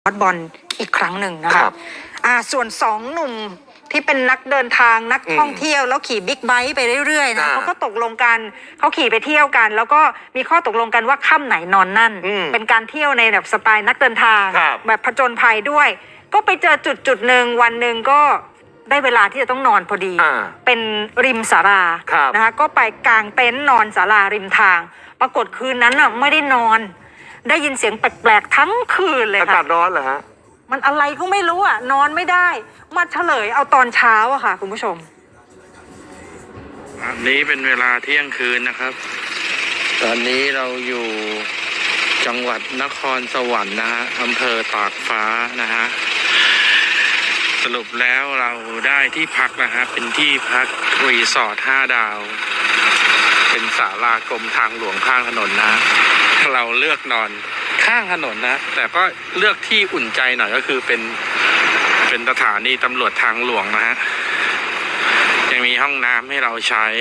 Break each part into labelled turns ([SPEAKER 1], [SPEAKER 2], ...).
[SPEAKER 1] บอลอีกครั้งหนึ่งนะคะส่วน2 หนุ่มที่เป็นนักเดินทางนักท่องเที่ยวแล้วขี่บิ๊กไบค์ไปเรื่อยๆนะเขาก็ตกลงกันเขาขี่ไปเที่ยวกันแล้วก็มีข้อตกลงกันว่าค่ำไหนนอนนั่นเป็นการเที่ยวในแบบสไตล์นักเดินทางแบบผจญภัยด้วยก็ไปเจอจุดหนึ่งวันหนึ่งก็ได้เวลาที่จะต้องนอนพอดีเป็นริมศาลานะคะก็ไปกางเต็นท์นอนศาลาริมทางปรากฏคืนนั้นน่ะไม่ได้นอนได้ยินเสียงแปลกๆทั้งคืนเลยค่ะอากาศร้อนเหรอฮะมันอะไรก็ไม่รู้อ่ะนอนไม่ได้มาเฉลยเอาตอนเช้าอะค่ะคุณผู้ชม
[SPEAKER 2] อันนี้เป็นเวลาเที่ยงคืนนะครับตอนนี้เราอยู่จังหวัดนครสวรรค์นะฮะอำเภอตากฟ้านะฮะสรุปแล้วเราได้ที่พักนะฮะเป็นที่พักรีสอร์ท5 ดาวเป็นศาลากรมทางหลวงข้างถนนนะเราเลือกนอนข้างถนนนะแต่ก็เลือกที่อุ่นใจหน่อยก็คือเป็นสถานีตำรวจทางหลวงนะฮะยังมีห้องน้ำให้เราใช้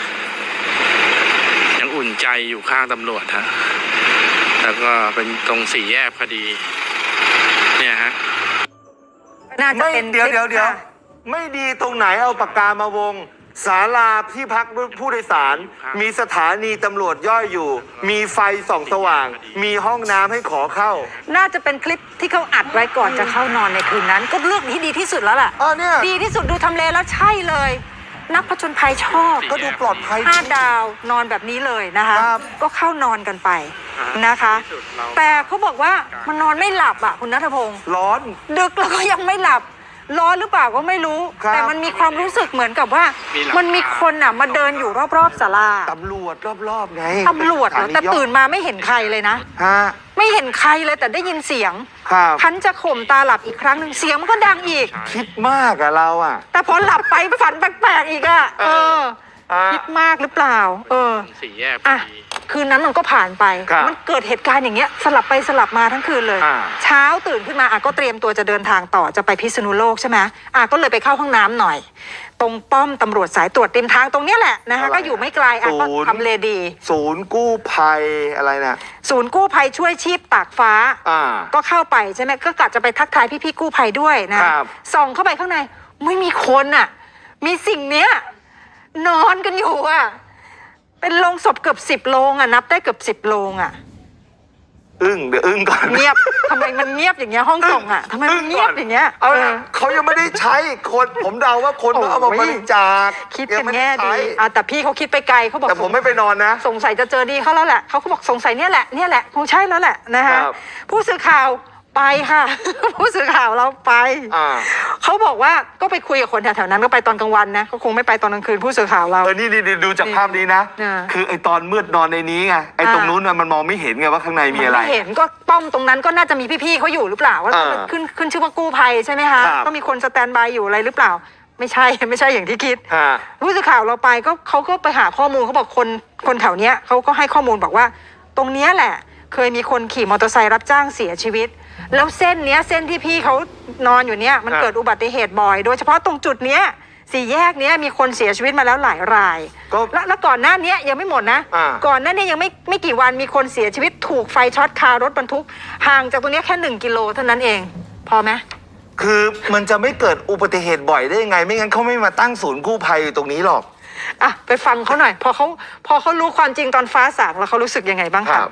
[SPEAKER 2] ยังอุ่นใจอยู่ข้างตำรวจฮะแล้วก็เป็นตรง4 แยกพอดีเนี่ยฮะ
[SPEAKER 1] น่าจะเป็น
[SPEAKER 3] เดี๋ยวไม่ดีตรงไหนเอาปากกามาวงศาลาที่พักผู้โดยสารมีสถานีตำรวจย่อยอยู่มีไฟส่องสว่างมีห้องน้ำให้ขอเข้า
[SPEAKER 1] น่าจะเป็นคลิปที่เขาอัดไว้ก่อนจะเข้านอนในคืนนั้นก็เลือกที่ดีที่สุดแล้วล่ะ
[SPEAKER 3] เนี่ย
[SPEAKER 1] ดีที่สุดดูทำเลแล้วใช่เลยนักผจญภัยชอบ
[SPEAKER 3] ก็ดูปลอดภัย
[SPEAKER 1] 5 ดาวนอนแบบนี้เลยนะคะก็เข้านอนกันไปนะคะแต่เขาบอกว่ามันนอนไม่หลับอ่ะคุณณัฐพงศ์
[SPEAKER 3] ร้อน
[SPEAKER 1] ดึกแล้วก็ยังไม่หลับร้อนหรือเปล่าก็ไม่รู้แต่มันมีความรู้สึกเหมือนกับว่ามันมีคนอ่ะมาเดินอยู่รอบๆศาลา
[SPEAKER 3] ตำรวจรอบๆไง
[SPEAKER 1] ตำรวจเหรอแต่ตื่นมาไม่เห็นใครเลยนะไม่เห็นใครเลยแต่ได้ยินเสียงพันจะข่มตาหลับอีกครั้งหนึ่งเสียงมันก็ดังอีก
[SPEAKER 3] คิดมากอะเราอะ
[SPEAKER 1] แต่พอหลับไปฝันแปลกๆอีกอะคิดมากหรือเปล่า
[SPEAKER 2] 4 แยก
[SPEAKER 1] คืนนั้นมันก็ผ่านไปมันเกิดเหตุการณ์อย่างเงี้ยสลับไปสลับมาทั้งคืนเลยเช้าตื่นขึ้นมาก็เตรียมตัวจะเดินทางต่อจะไปพิษณุโลกใช่ไหมก็เลยไปเข้าห้องน้ำหน่อยตรงป้อมตำรวจสายตรวจริมทางตรงนี้แหละนะคะก็อยู่ไม่ไกลก็ทำเลดี
[SPEAKER 3] ศูนย์กู้ภัยอะไรนะ
[SPEAKER 1] ศูนย์กู้ภัยช่วยชีพตากฟ้าก็เข้าไปใช่ไหมก็กะจะไปทักทายพี่ๆกู้ภัยด้วยนะส่องเข้าไปข้างในไม่มีคนอ่ะมีสิ่งเนี้ยนอนกันอยู่อ่ะเป็นโลงศพเกือบ10 โลงอ่ะนับได้เกือบ10 โลงอ่ะ
[SPEAKER 3] เดี๋ยวก่อน
[SPEAKER 1] เงียบทำไมมันเงียบอย่างเงี้ยห้องส่งอ่ะทำไมมันเงียบอย่างเงี้ย
[SPEAKER 3] เขายังไม่ได้ใช้คนผมเดาว่าคนเอามาบริจาค
[SPEAKER 1] คิดกันแง่ดีแต่พี่เขาคิดไปไกลเขาบอก
[SPEAKER 3] แต่ผมไม่ไปนอนนะ
[SPEAKER 1] สงสัยจะเจอดีเขาแล้วแหละเขาบอกสงสัยเนี่ยแหละคงใช่แล้วแหละนะคะผู้สื่อข่าวไปค่ะผู้สื่อข่าวเราไปเขาบอกว่าก็ไปคุยกับคนแถวๆนั้นก็ไปตอนกลางวันนะก็คงไม่ไปตอนกลางคืนผู้สื่อข่าวเรา
[SPEAKER 3] นี่ดูจากภาพนี้นะคือไอตอนมืดนอนในนี้ไงไอตรงนู้นมันมองไม่เห็นไงว่าข้างในมีอะไร
[SPEAKER 1] ไม่เห็นก็ป้อมตรงนั้นก็น่าจะมีพี่ๆเขาอยู่หรือเปล่าว่าขึ้นชื่อว่ากู้ภัยใช่ไหมคะก็มีคนสแตนบายอยู่อะไรหรือเปล่าไม่ใช่อย่างที่คิดผู้สื่อข่าวเราไปก็เขาก็ไปหาข้อมูลเขาบอกคนแถวเนี้ยเขาก็ให้ข้อมูลบอกว่าตรงเนี้ยแหละเคยมีคนขี่มอเตอร์ไซค์รับจ้างเสียชีวิตแล้วเส้นที่พี่เขานอนอยู่เนี้ยมันเกิดอุบัติเหตุบ่อยโดยเฉพาะตรงจุดเนี้ย4 แยกเนี้ยมีคนเสียชีวิตมาแล้วหลายรายแล้วก่อนหน้านี้ยังไม่หมดนะก่อนหน้านี้ยังไม่กี่วันมีคนเสียชีวิตถูกไฟช็อตคารถบรรทุกห่างจากตรงนี้แค่1 กิโลเท่านั้นเองพอไหม
[SPEAKER 3] คือมันจะไม่เกิดอุบัติเหตุบ่อยได้ยังไงไม่งั้นเขาไม่มาตั้งศูนย์กู้ภัยตรงนี้หรอก
[SPEAKER 1] ไปฟังเขาหน่อยพอเขารู้ความจริงตอนฟ้าสางแล้วเขารู้สึกยังไงบ้างครับ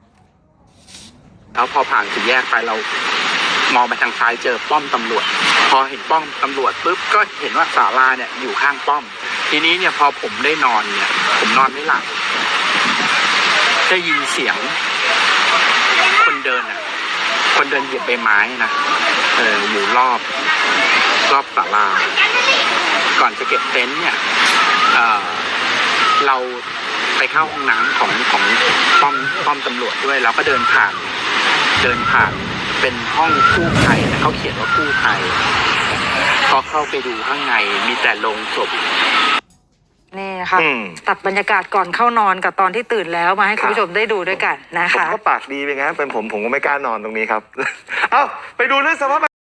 [SPEAKER 2] แล้วพอผ่าน4 แยกไปเรามองไปทางซ้ายเจอป้อมตำรวจพอเห็นป้อมตำรวจปุ๊บก็เห็นว่าศาลาเนี่ยอยู่ข้างป้อมทีนี้เนี่ยพอผมได้นอนเนี่ยผมนอนไม่หลับได้ยินเสียงคนเดินเหยียบใบไม้นะอยู่รอบศาลาก่อนจะเก็บเต็นท์เนี่ยเราไปเข้าห้องน้ำของป้อมตำรวจด้วยแล้วก็เดินผ่านเป็นห้องกู้ภัยนะเขาเขียนว่ากู้ภัยพอเข้าไปดูข้างในมีแต่โลงศพ
[SPEAKER 1] นี่ค่ะตัดบรรยากาศก่อนเข้านอนกับตอนที่ตื่นแล้วมาให้คุณผู้ชมได้ดูด้วยกันนะคะ
[SPEAKER 3] ผมก็ปากดีไปงั้นเป็นผมก็ไม่กล้านอนตรงนี้ครับไปดูเรื่องสภาพ